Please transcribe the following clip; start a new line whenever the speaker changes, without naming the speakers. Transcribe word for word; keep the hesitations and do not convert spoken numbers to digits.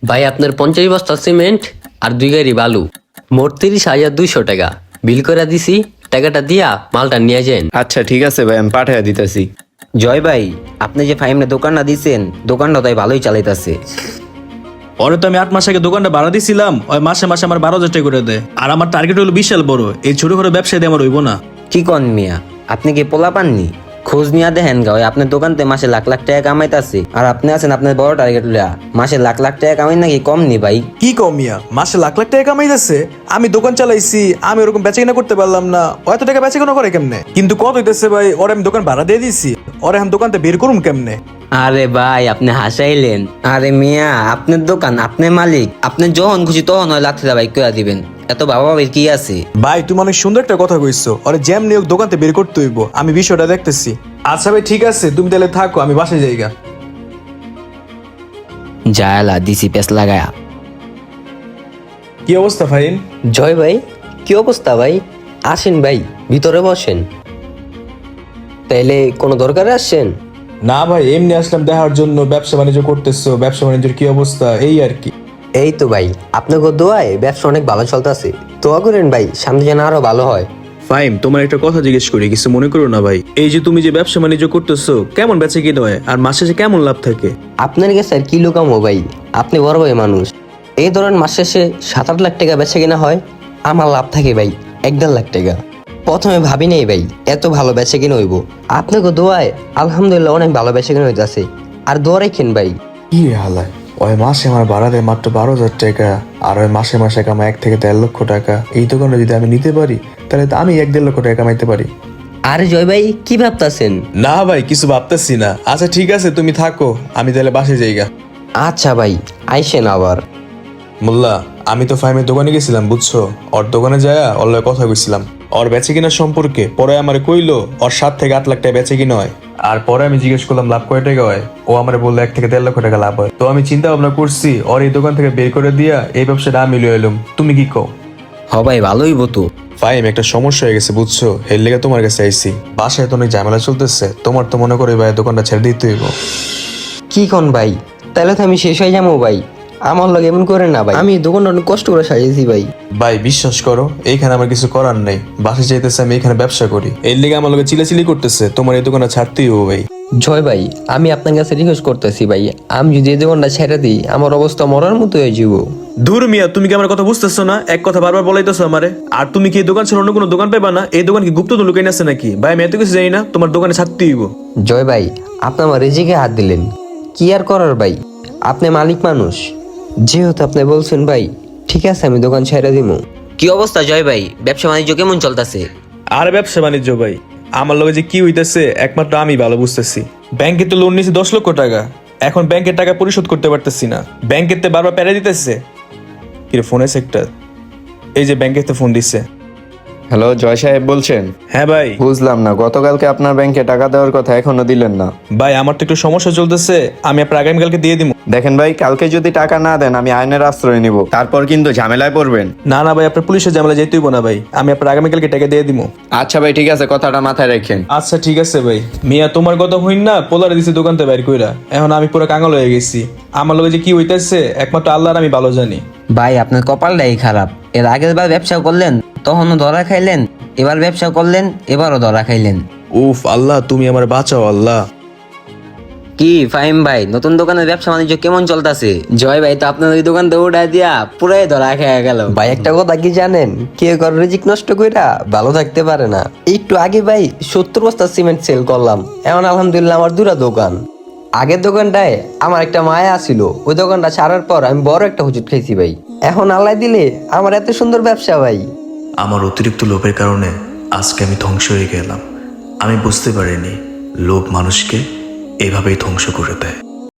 ভাই আপনার পঞ্চাশ বস্তা সিমেন্ট আর দুই গাড়ি বালু, মোট তিরিশ হাজার দুইশো টাকা বিল করে দিছি। টাকাটা দিয়া মালটা নিয়ে যান।
আচ্ছা ঠিক আছে ভাই, আমি পাঠাইয়া দিতেছি।
জয় ভাই, আপনি যে ফাইমে দোকানটা দিছেন, দোকানটা তাই ভালোই চালাইতাছে।
ওরে তো আমি আট মাস আগে দোকানটা ভাড়া দিছিলাম, ওই মাসে মাসে আমার বারো হাজার টাকা করে দেয়। আর আমার টার্গেট হলো বিশাল বড়, এই ছোট করে ব্যবসায় দিয়ে আমার হইব না।
কি কন মিয়া, আপনি কি পোলা পাননি? খোঁজ নিয়ে দেখেন গা, ওই আপনার দোকানতে মাসে লাখ লাখ টাকা কামাইতাছে, আর আপনি আছেন আপনার বড় টার্গেট লইয়া। মাসে লাখ লাখ টাকা কামাই নাকি কম নি ভাই?
কি কমিয়া মাসে লাখ লাখ টাকা কামাই যাচ্ছে? আমি দোকান চালাইছি, আমি ওরকম বেচা কিনা করতে পারলাম না, এত টাকা বেচা কিনা করে কেমনে? কিন্তু কত হইতেছে ভাই? ওরে আমি দোকান ভাড়া দিয়ে দিছি, ওরে আমি দোকানতে বের করুম কেমনে?
আরে ভাই আপনি হাসাইলেন। আরে মিয়া, আপনার দোকান, আপনি মালিক, আপনি যখন খুশি তখন ওই লাখ টাকা ভাই কইয়া দিবেন, এত বাবা বাবির কি আছে?
ভাই তুমি অনেক সুন্দর একটা কথা কইছো, ওরে যেমনি হোক দোকানতে বের করতে হইব, আমি বিষয়টা দেখতেছি। আচ্ছা ভাই ঠিক আছে, তুমি তাহলে থাকো, আমি বাসায় যাইগা।
জায়ালা দিছি পেস লাগায়া।
কি অবস্থা ফাইন?
জয় ভাই, কি অবস্থা ভাই? আসেন ভাই, ভিতরে বসেন। তাইলে কোনো দরকারে আসছেন?
না ভাই, এমনি আসলাম দেখার জন্য, ব্যবসা বাণিজ্য করতেছো, ব্যবসা বাণিজ্যের কি অবস্থা এই আর কি।
এই তো ভাই, আপনাকে দোয়ায় ব্যবসা অনেক ভালো চলতেছে। দোয়া করেন ভাই, সামনে যেন আরো ভালো হয়।
ফাইম, তোমার একটা কথা জিজ্ঞেস করি, কিছু মনে করো না ভাই। এই যে তুমি যে ব্যবসা বাণিজ্য করতেছো, কেমন বেচে কিনা হয় আর মাসে শেষে কেমন লাভ থাকে?
আপনার কাছে আর কি লুকামো ভাই, আপনি বড় ভাই মানুষ। এই ধরেন মাস শেষে সাত আট লাখ টাকা বেচে কিনা হয়, আমার লাভ থাকে ভাই এক দেড় লাখ টাকা। প্রথমে ভাবি নেই ভাই এত ভালো বেচে কিনা হইব। আপনাকে দোয়ায় আলহামদুলিল্লাহ অনেক ভালো বেচে কিনা হইতেছে। আর দোয়া রাখেন ভাই।
কি রে হালায়, ওই মাসে আমার ভাড়া দেয় মাত্র বারো হাজার টাকা, আর ওই মাসে মাসে কামাই এক থেকে দেড় লক্ষ টাকা। এই দোকানটা যদি আমি নিতে পারি, তাহলে তো আমি এক দেড় লক্ষ টাকা কামাইতে পারি।
আরে জয় ভাই, কি ভাবতাছেন?
না ভাই, কিছু ভাবতেছি না। আচ্ছা ঠিক আছে, তুমি থাকো, আমি তাহলে বাসায় যাইগা।
আচ্ছা ভাই, আইসেন আবার।
মোল্লা, আমি তো ফাইমের দোকানে গেছিলাম বুঝছো, ওর দোকানে যায়া ওর লগে কথা কইছিলাম ওর বেচে কিনা সম্পর্কে। পরে আমার কইলো ওর সাত থেকে আট লাখ টাকা বেচে কিনা হয়। আর পরে আমি জিজ্ঞেস করলাম লাভ কয় টাকা হয়, ও আমার বললো এক থেকে দেড় লক্ষ টাকা লাভ হয়। তো আমি চিন্তা ভাবনা করছি ওর এই দোকান থেকে বের করে দিয়া এই ব্যবসাটা আমি লয়ে এলাম। তুমি কি কও?
হ ভাই, ভালোই বতো।
ফাইম, একটা সমস্যা হয়ে গেছে বুঝছো, এর লেগে তোমার কাছে আইছি। বাসায় তো অনেক ঝামেলা চলতেছে, তোমার তো মনে করো ভাই দোকানটা ছেড়ে দিতে হইব।
কি কোন ভাই? তাহলে তো আমি শেষ হয়ে যাবো ভাই। আমার লগে এমন করে না ভাই, আমি দোকানটা অনেক কষ্ট করে সাজিয়েছি ভাই।
ভাই বিশ্বাস করো, এইখানে আমার কিছু করার নেই। বাসায় চাইতেছে আমি এখানে ব্যবসা করি, এর লেগে আমার লগে চিলাচিলি করতেছে, তোমার এই দোকানটা ছাড়তেই হবো ভাই।
জয় ভাই, আমি আপনার কাছে রিকোয়েস্ট করতেছি ভাই, আমি যদি এই দোকানটা ছেড়ে দিই আমার অবস্থা মরার মতো হয়ে যাব।
দূর মিয়া, তুমি কি আমার কথা বুঝতেছো না? এক কথা বারবার বলাইতেছো আমারে। আর তুমি কি এই দোকান ছেড়ে অন্য কোনো দোকান পাইবা না? এই দোকান কি গুপ্ত তো লুকাই আছে নাকি? ভাই আমি এত কিছু জানি না, তোমার দোকানে ছাড়তেই হইব।
জয় ভাই, আপনি আমার রিজিকে হাত দিলেন, কি আর করার ভাই, আপনি মালিক মানুষ, যেহেতু আপনি বলছেন ভাই, ঠিক আছে আমি দোকান ছেড়ে দিব।
কি অবস্থা জয় ভাই, ব্যবসা বাণিজ্য কেমন চলতেছে?
আর ব্যবসা বাণিজ্য ভাই, আমার লগে যে কি হইতেছে একমাত্র আমি ভালো বুঝতেছি। ব্যাংকে তো লোন নিয়েছি দশ লক্ষ টাকা, এখন ব্যাংকের টাকা পরিশোধ করতে পারতেছি না। ব্যাংকের তে বারবার প্যারা দিতেছে। কি রে, ফোন আছে একটা? এই যে ব্যাংকের তে ফোন দিচ্ছে।
হ্যালো, জয় সাহেব বলছেন?
হ্যাঁ ভাই।
বুঝলাম না, গতকালকে আপনার ব্যাংকে টাকা দেওয়ার কথা এখনো দিলেন না।
ভাই আমার তো একটু সমস্যা চলতেছে, আমি আপনার আগামীকালকে দিয়ে দিব।
দেখেন ভাই, কালকে যদি টাকা না দেন আমি আইনের আশ্রয় নিব, তারপর কিন্তু ঝামেলায় পড়বেন।
না না ভাই, আপনার পুলিশের ঝামেলা যেতে হইব না ভাই, আমি আপনার আগামীকালকে টাকা দিয়ে দিব।
আচ্ছা ভাই ঠিক আছে, কথাটা মাথায় রাখেন।
আচ্ছা ঠিক আছে ভাই। মিয়া তোমার কথা হইন না, পোলারে দিছে দোকানতে বাইর কইরা, এখন আমি পুরো কাঙাল হয়ে গেছি। আমার লগে যে কি হইতেছে একমাত্র আল্লাহর আমি ভালো জানি।
ভাই আপনার কপালটাই খারাপ, এর আগের বার ব্যবসা করলেন তখনও ধরা খাইলেন, এবার ব্যবসা করলেন এবারও ধরা খাইলেন।
উফ আল্লাহ, তুমি আমার বাঁচাও আল্লাহ।
কি ফাহিম ভাই, নতুন দোকানের ব্যবসা বাণিজ্য কেমন চলতেছে?
জয় ভাই তো আপনার ওই দোকান তো উঠাই দিয়া পুরাই ধরা খেয়ে গেল ভাই। একটা কথা কি জানেন, কেউ কারো রিজিক নষ্ট কইরা ভালো থাকতে পারে না। একটু আগে ভাই সত্তর বস্তা সিমেন্ট সেল করলাম, এখন আলহামদুলিল্লাহ আমার দুটা দোকান। আগের দোকানটায় আমার একটা মায়া ছিল, ওই দোকানটা ছাড়ার পর আমি বড় একটা হুজুট খাইছি ভাই। এখন আল্লাহ দিলে আমার এত সুন্দর ব্যবসা ভাই।
আমার অতিরিক্ত লোভের কারণে আজকে আমি ধ্বংস হয়ে গেলাম। আমি বুঝতে পারিনি লোভ মানুষকে এভাবেই ধ্বংস করে দেয়।